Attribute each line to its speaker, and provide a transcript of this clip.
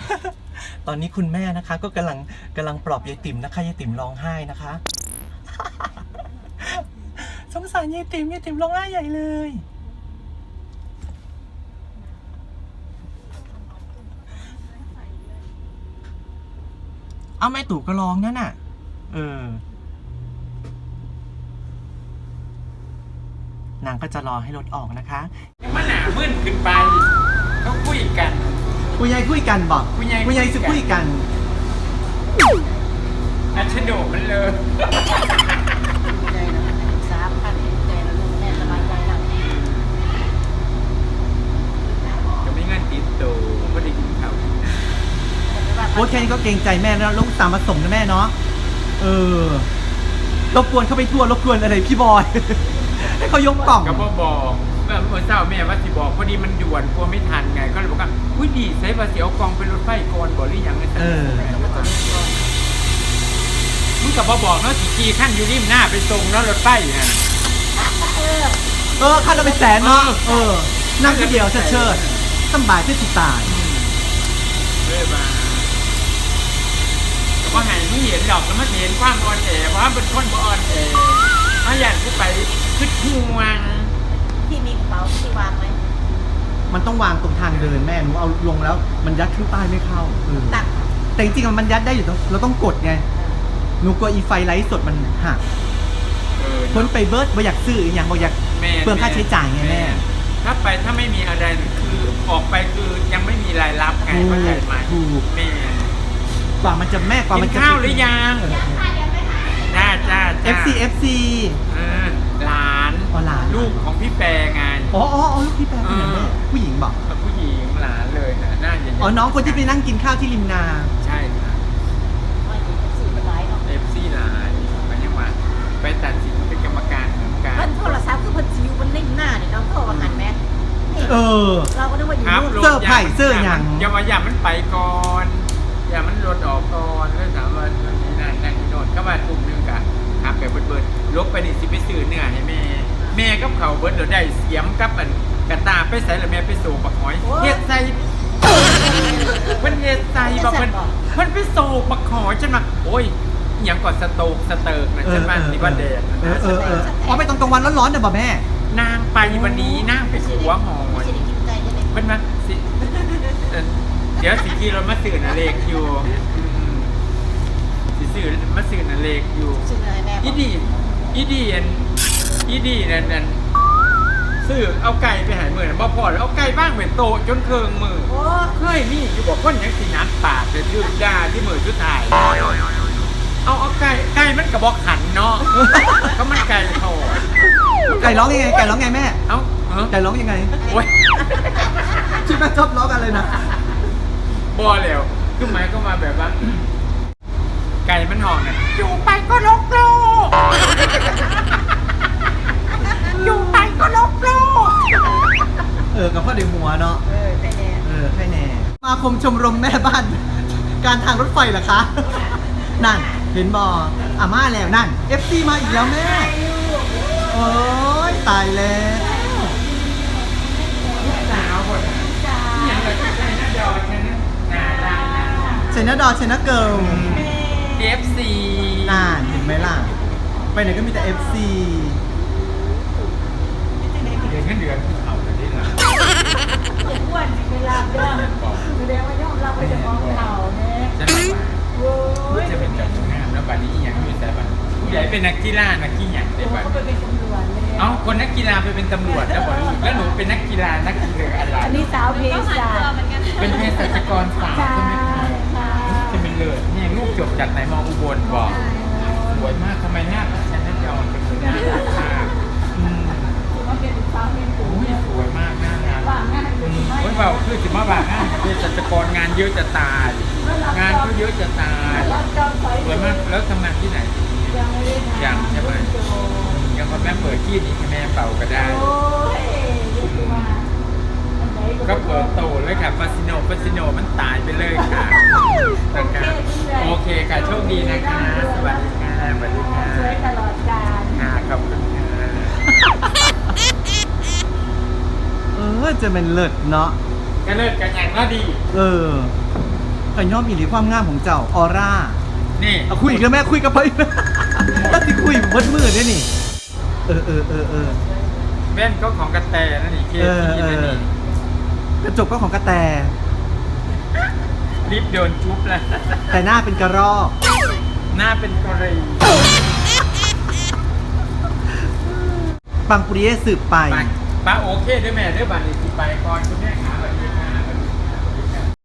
Speaker 1: ตอนนี้คุณแม่นะคะก็กำลังปลอบยายติ๋มนะคะยายติ๋มร้องไห้นะคะ สงสารยายติ๋มร้องไห้ใหญ่เลยเอาแม่ตู่ก็ร้องนั่นน่ะนางก็จะรอให้รถออกนะคะ
Speaker 2: ยังมาหนามึนขึ้นไปเขาคุยกัน
Speaker 1: คุณยายคุยกันบอกคุณยายจะคุยกัน
Speaker 2: อัชโดมันเลย
Speaker 3: ใจนะ3,000ใจแล้วลูกแม่สบายใจแล้ว
Speaker 2: จะไม่งั้นติดโตก็ได้กินข้าว
Speaker 1: โอเคก็เกรงใจแม่แล้วลูกตามมาส่งนะแม่เนาะรบกวนเข้าไปทั่วรบกวนอะไรพี่บอย ให้เขายกกล่อง
Speaker 2: ก็บอกเมื่อเช้าแม่ว่าสิบอกพอดีมันด่วนกลัวไม่ทันไงก็เลยบอกว่าอุ้ยดีใช้ภาษีเอากองเป็นรถไฟก่อนบอกหรือยังไงมึงกับบอกเนาะสิขี่ขั้นอยู่ริมหน้าไปส่งแล้วรถไฟนะ
Speaker 1: ขั้นเราเป็นแสนเนาะนั่งทีเดียวเชิดสบายที่สุดตาย
Speaker 2: เลยมาแต่ว่าหายไม่เห็นดอกแล้วมาเห็นความอ่อนแอเพราะว่าเป็นคนบ่อ่อนแอถ้าอยากขึ้นไปขึ้นห่วง
Speaker 3: ที่มีกระเป๋าที่วางไหม
Speaker 1: มันต้องวางตรงทางเดินแม่หนูเอาลงแล้วมันยัดขึ้นป้ายไม่เข้า
Speaker 3: ตัก
Speaker 1: แต่จริงๆมันยัดได้อยู่เราต้องกดไงหนูกลัวอีไฟไลท์สดมันหักพ้นไปเบิร์ดบ่อยากซื้ออย่างบ่อยากเปลืองค่าใช้จ่ายไงแม่
Speaker 2: ถ้าไม่มีอะไรคือออกไปคือยังไม่มีรายรับไงเข้าใจไหมแม่
Speaker 1: กว่ามันจะแม่กว่ามัน
Speaker 2: จะข้าวหรือยังจ้า
Speaker 1: FC
Speaker 2: หลานลูกของพี่แปรไง
Speaker 1: อ๋อลูกพี่แปรเป็นแม่ผู้หญิงบอก
Speaker 2: ผู้หญิงหลานเลยนะน่าจะ
Speaker 1: น้องคนที่ไปนั่งกินข้าวที่ริมนา
Speaker 2: ใช่ค่ะFC หลายมันยังว่าไปตัดสินเป็นกรรมการเหมือนกัน
Speaker 3: มันโทรศัพท์คือมันซิวมันเล่นหน้าเนี่ยน้องโทรมาหันแม่เราก็นึกว่าอยู่
Speaker 1: นู่นเสื้อไผ่เสื้ออย่าง
Speaker 2: อย่ามันไปก่อนอย่ามันรถออกก่อนแล้วถามว่านี่นั่นโน่นก็มากลุ่มนึงกะครับแบบเบิร์ดลบไปนี่สิไปซื้อเนื้อให้แม่กับเขาเบิร์ดเดี๋ยวได้เสียมกับมันกระตาไปใส่แล้วแม่ไปส่งปักหอยเฮ็ดใส่เพิ่นเฮ็ดใส่บอกเพิ่นไปส่งปักหอยฉันมาโอ้ยอย่างก่อนสเติร์กนะฉันว่านี่ว่าแดด
Speaker 1: ไปตรงกลางวันร้อนๆเนี่ยบ่แม่
Speaker 2: นางไปวันนี้นางไปหัวหอยเพิ่นมาสิเดี๋ยวสิขี่รถมาสื่อนาเล็กอยู่สิสื่อมาสื่อนาเล็กอยู่อีดีนั่นซื้อเอาไก่ไปหายมือบ่พอแล้วเอาไก่บ้างเหมือนโตจนเคืองมือเคยมีอยู่บอกคนยังสีน้ำปากเลยชื่อดาที่มือชุดถ่ายเอาไก่มันกระบอกขันเนาะก็มันไก่ทอด
Speaker 1: ไก่ร้องยังไงแม่ไก่ร้องยังไง
Speaker 2: โอ้ย
Speaker 1: ชื่อแม่ชอบร้องกันเลยนะ
Speaker 2: บ่แล้วคือหมายก็มาแบบว่าไก่มันหอกน่ะอยู่ไปก็ลกโลกอยู่ไปก็ลกโลก
Speaker 1: กับพ่อเด็กหัวเนาะใช่แน่มาคมชมรมแม่บ้านการทางรถไฟเหรอคะนั่นเห็นบอมาแล้วนั่น FC มาอีกแล้วแม่โอ้ยตายแล้วเชนดอเชนเกิร์ล
Speaker 2: FC
Speaker 1: น่าเห็นไหมล่ะไปไหนก็มีแต่ FC
Speaker 2: เดือนเขาเลยนี่นะ
Speaker 3: อ้วนเวลาย่อมแสดงว่าย่อมเราไปจะมองเขาเนี่ย
Speaker 2: จะเป็นจับงานแล้วบัดนี้ยังมีแต่บัดผู้ใหญ่เป็นนักกีฬานักกีฬาได้บัดเอาคนนักกีฬาไปเป็นตำรวจแล้วบอกแล้วหนูเป็นนักกีฬานักกีฬาอะไร
Speaker 3: อันนี้สาวเภสัช
Speaker 2: เป็นเภสัชกรสาวใช่ไหมคะจะเป็นเลิศนี่ลูกจบจากไหนมออุบลบอกสวยมากทำไมหน้าฉันน่าจะอ่อนเป็นคนหน้ารักมากสวยมากหน้ารักวันเบาคือสิมาบ่างงานเภสัชกรงานเยอะจะตายงานก็เยอะจะตายสวยมากแล้วทำงานที่ไหนยังใช่ไหมยังพอแม่เปิดที่นี้แม่เป่าก็ได้ก็เปิดโตเลยค่ะฟาซิโนมันตายไปเลยค่ะนะครับโอเคค่ะโชคดีนะคะสวัสดีค่ะสวัสดีค่ะ
Speaker 3: ช่วยตลอดกาล
Speaker 2: ค่ะขอบคุณค่ะ
Speaker 1: จะเป็นเลิศเนาะ
Speaker 2: ก็เลิศกันอย่างก็ดี
Speaker 1: ข่อยย่อมอีหลีความงามของเจ้าออร่า
Speaker 2: นี่
Speaker 1: เอาคุยอีกแล้วแม่คุยกับไปถ้าที่คุยเบิดมือเนี่ยนี่เออ
Speaker 2: แว่นก็ของกระแตนั่นนี่เคทีนั่นนี่
Speaker 1: กระจกก็ของกระแต
Speaker 2: ลิฟต์โดนจุ๊บแล้ว
Speaker 1: แต่หน้าเป็นกระรอก
Speaker 2: หน้าเป็นกะหรี่
Speaker 1: ปังปุริเย่สืบไป
Speaker 2: ไปป้าโอเคด้วยแม่เด้อบัตรสิไปก่อนคุณแม่ขาแบบนี้